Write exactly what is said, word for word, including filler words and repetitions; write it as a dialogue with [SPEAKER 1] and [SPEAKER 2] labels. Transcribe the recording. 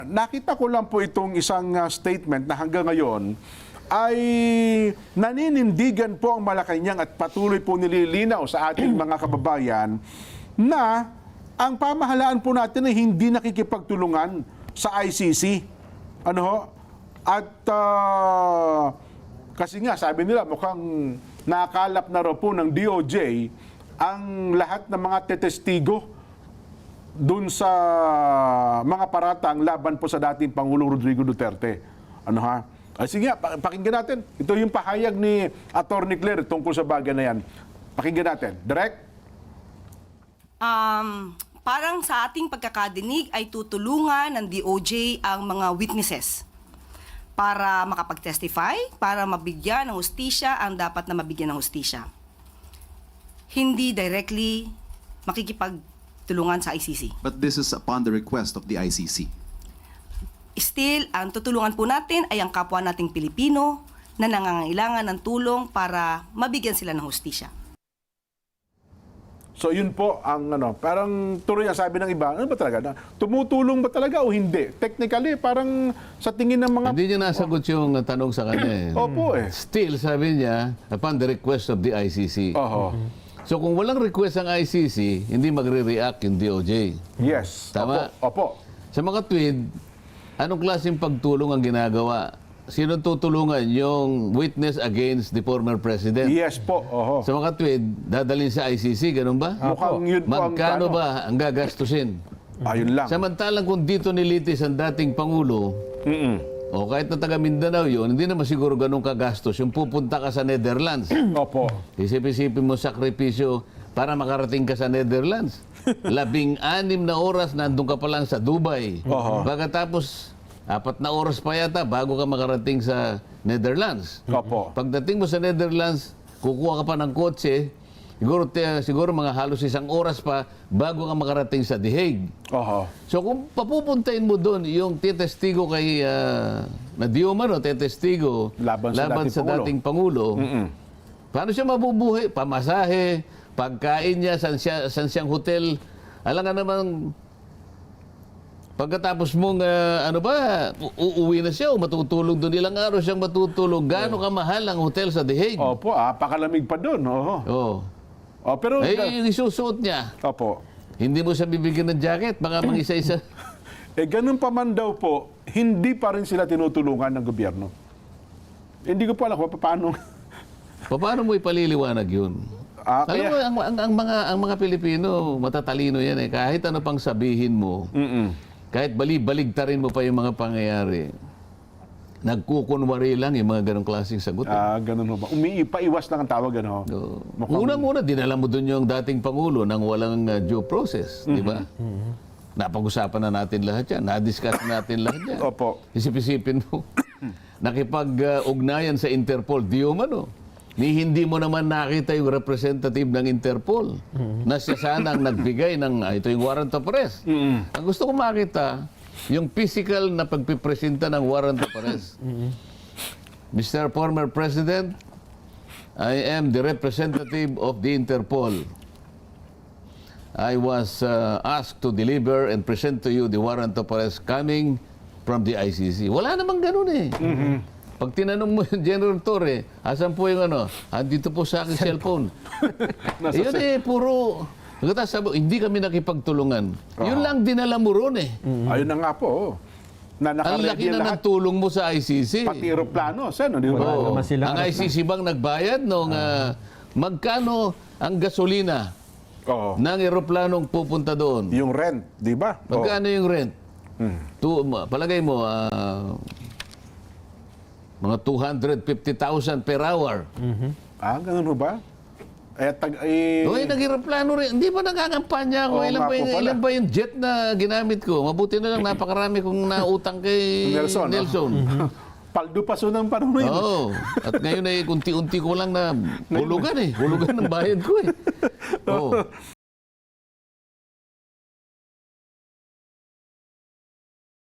[SPEAKER 1] Nakita ko lang po itong isang uh, statement na hanggang ngayon ay naninindigan po ang Malacanang at patuloy po nililinaw sa ating mga kababayan na ang pamahalaan po natin ay hindi nakikipagtulungan sa I C C. Ano ho? At uh, kasi nga sabi nila mukhang nakalap na raw po ng D O J ang lahat ng mga tetestigo dun sa mga paratang laban po sa dating Pangulong Rodrigo Duterte. Ano ha? Ay, sige nga, pakinggan natin. Ito yung pahayag ni Attorney Claire tungkol sa bagay na yan. Pakinggan natin. Direct?
[SPEAKER 2] Um, parang sa ating pagkakadinig ay tutulungan ng D O J ang mga witnesses para makapag-testify, para mabigyan ng hustisya ang dapat na mabigyan ng hustisya. Hindi directly makikipagtulungan sa I C C.
[SPEAKER 3] But this is upon the request of the I C C.
[SPEAKER 2] Still, ang tutulungan po natin ay ang kapwa nating Pilipino na nangangailangan ng tulong para mabigyan sila ng hustisya.
[SPEAKER 1] So yun po ang ano, parang tuloy ang sabi ng iba, ano ba talaga? Na, tumutulong ba talaga o hindi? Technically, parang sa tingin ng mga...
[SPEAKER 4] Hindi niya nasagot yung tanong sa kanya. Eh.
[SPEAKER 1] Opo eh.
[SPEAKER 4] Still, sabi niya, upon the request of the I C C.
[SPEAKER 1] Oho.
[SPEAKER 4] So kung walang request ang I C C, hindi magre-react yung D O J.
[SPEAKER 1] Yes.
[SPEAKER 4] Tama.
[SPEAKER 1] Opo. Opo.
[SPEAKER 4] Sa mga tweet, anong klaseng pagtulong ang ginagawa? Sino tutulungan? Yung witness against the former president?
[SPEAKER 1] Yes po. Oho.
[SPEAKER 4] Sa mga tweet, dadalhin sa I C C, ganun ba?
[SPEAKER 1] Mukhang yun po ang
[SPEAKER 4] Magkano
[SPEAKER 1] tanong.
[SPEAKER 4] ba ang gagastusin?
[SPEAKER 1] Ayun lang.
[SPEAKER 4] Samantalang kung dito nilitis ang dating Pangulo,
[SPEAKER 1] Mm-mm.
[SPEAKER 4] o kahit na taga Mindanao yun, hindi naman siguro ganun kagastos. Yung pupunta ka sa Netherlands,
[SPEAKER 1] Opo.
[SPEAKER 4] isip-isipin mo sakripisyo para makarating ka sa Netherlands. Labing-anim na oras nandun ka pa lang sa Dubai.
[SPEAKER 1] Oho.
[SPEAKER 4] Pagkatapos, apat na oras pa yata bago ka makarating sa Netherlands.
[SPEAKER 1] Opo.
[SPEAKER 4] Pagdating mo sa Netherlands, kukuha ka pa ng kotse, siguro, te- siguro mga halos isang oras pa bago ka makarating sa The Hague.
[SPEAKER 1] Oho.
[SPEAKER 4] So kung papupuntahin mo doon yung titestigo kay uh, na di umano, titestigo
[SPEAKER 1] Laban sa dating
[SPEAKER 4] sa
[SPEAKER 1] Pangulo.
[SPEAKER 4] dating Pangulo,
[SPEAKER 1] Mm-mm.
[SPEAKER 4] paano siya mabubuhay? Pamasahe, pagkain niya, san, siya, san siyang hotel. Alam nga naman, pagkatapos mong, uh, ano ba, u- uuwi na siya o matutulog doon. Ilang araw siyang matutulog. Gaano kamahal ang hotel sa The Hague?
[SPEAKER 1] Opo, ah, pakalamig pa doon. Oho.
[SPEAKER 4] Oh.
[SPEAKER 1] Oh, pero...
[SPEAKER 4] Eh, yung isusuot niya.
[SPEAKER 1] Opo.
[SPEAKER 4] Hindi mo siya bibigyan ng jacket. Baka mang isa-isa.
[SPEAKER 1] Eh, ganun pa man daw po, hindi pa rin sila tinutulungan ng gobyerno. Hindi ko po alam kung paano.
[SPEAKER 4] Paano mo ipaliliwanag yun?
[SPEAKER 1] Ah,
[SPEAKER 4] Alam
[SPEAKER 1] kaya-
[SPEAKER 4] mo, ang, ang, ang, mga, ang mga Pilipino, matatalino yan eh. Kahit ano pang sabihin mo,
[SPEAKER 1] Mm-mm.
[SPEAKER 4] kahit bali-baligtarin mo pa yung mga pangyayari, nagkukunwari lang yung mga ganong klaseng sagot. eh.
[SPEAKER 1] Ah, ganun ho ba? Umiipaiwas lang ang tawag, ano?
[SPEAKER 4] So,
[SPEAKER 1] Mukhang-
[SPEAKER 4] unang-una, dinala mo doon yung dating Pangulo nang walang uh, due process, di ba? Napag-usapan na natin lahat yan. Na-discuss natin lahat yan.
[SPEAKER 1] Opo.
[SPEAKER 4] Isip-isipin mo, nakipag-ugnayan sa Interpol, di umano. Ni hindi mo naman nakita yung representative ng Interpol na siya sana ang nagbigay ng, ah, ito yung warrant of arrest. Ang gusto ko makita, yung physical na pagpipresenta ng warrant of arrest. Mister Former President, I am the representative of the Interpol. I was uh, asked to deliver and present to you the warrant of arrest coming from the I C C. Wala namang ganun eh. Pag tinanong mo yung General Torre, asan po yung ano? Andito po sa aking cellphone.
[SPEAKER 1] Nasa
[SPEAKER 4] Yun eh, puro... Pagkatapos sabi, hindi kami nakipagtulungan. Yun lang dinala mo ron eh.
[SPEAKER 1] Ayun na nga po. oh. Na
[SPEAKER 4] Ang
[SPEAKER 1] nakaready
[SPEAKER 4] laki na
[SPEAKER 1] lahat.
[SPEAKER 4] ng tulong mo sa I C C.
[SPEAKER 1] Pati aeroplano. Saan? Di ba?
[SPEAKER 4] Oo.
[SPEAKER 5] naman sila.
[SPEAKER 4] Ang I C C bang nagbayad nung ah, magkano ang gasolina
[SPEAKER 1] Oo.
[SPEAKER 4] ng eroplanong pupunta doon?
[SPEAKER 1] Yung rent, di ba? Oo.
[SPEAKER 4] Magkano yung rent?
[SPEAKER 1] Hmm.
[SPEAKER 4] Tu, ma- palagay mo, ah, mga two hundred fifty thousand per hour.
[SPEAKER 1] Ah, ganun ho ba? Eh, tag... Eh,
[SPEAKER 4] Uy, nag-eroplano rin. Hindi ba nagkakampanya ako?
[SPEAKER 1] Oo
[SPEAKER 4] ilan,
[SPEAKER 1] nga
[SPEAKER 4] ba
[SPEAKER 1] po
[SPEAKER 4] yung,
[SPEAKER 1] pala.
[SPEAKER 4] ilan ba yung jet na ginamit ko? Mabuti na lang, napakarami kong nautang kay
[SPEAKER 1] Nelson, no?
[SPEAKER 4] Nelson.
[SPEAKER 1] paldo paso ng panahon na yun.
[SPEAKER 4] Oo. At ngayon ay unti-unti ko lang na hulugan eh. Hulugan ng bayad ko eh. Oo.